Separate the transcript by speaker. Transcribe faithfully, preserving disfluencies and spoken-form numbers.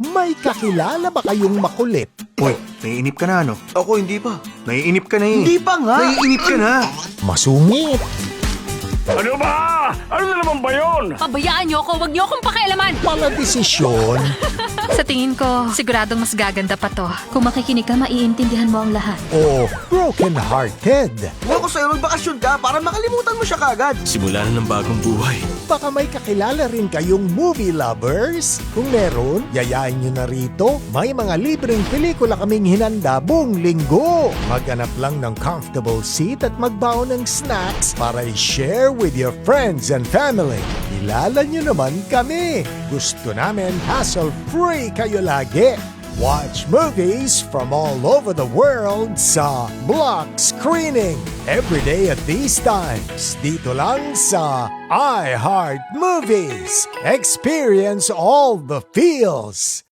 Speaker 1: May kakilala ba kayong makulit?
Speaker 2: Hoy, naiinip ka na ano?
Speaker 3: Ako hindi pa.
Speaker 2: Naiinip ka na eh.
Speaker 3: Hindi pa nga.
Speaker 2: Naiinip ka na.
Speaker 1: Masungit?
Speaker 4: Ano ba? Ano na naman ba yun?
Speaker 5: Pabayaan niyo ako, wag niyo akong pakialaman!
Speaker 1: Maladesisyon?
Speaker 5: Sa tingin ko, siguradong mas gaganda pa to. Kung makikinig ka, maiintindihan mo ang lahat.
Speaker 1: O broken-hearted?
Speaker 3: Huwag ko sa'yo magbakasyon ka para makalimutan mo siya kagad.
Speaker 4: Simula na ng bagong buhay.
Speaker 1: Baka may kakilala rin kayong movie lovers? Kung meron, yayain nyo na rito. May mga libreng pelikula kaming hinanda buong linggo. Maghanap lang ng comfortable seat at magbaon ng snacks para i-share with your friends and family. Kilala nyo naman kami. Gusto namin hassle-free kayo lagi. Watch movies from all over the world sa Block Screening. Every day at these times. Dito lang sa iHeart Movies. Experience all the feels.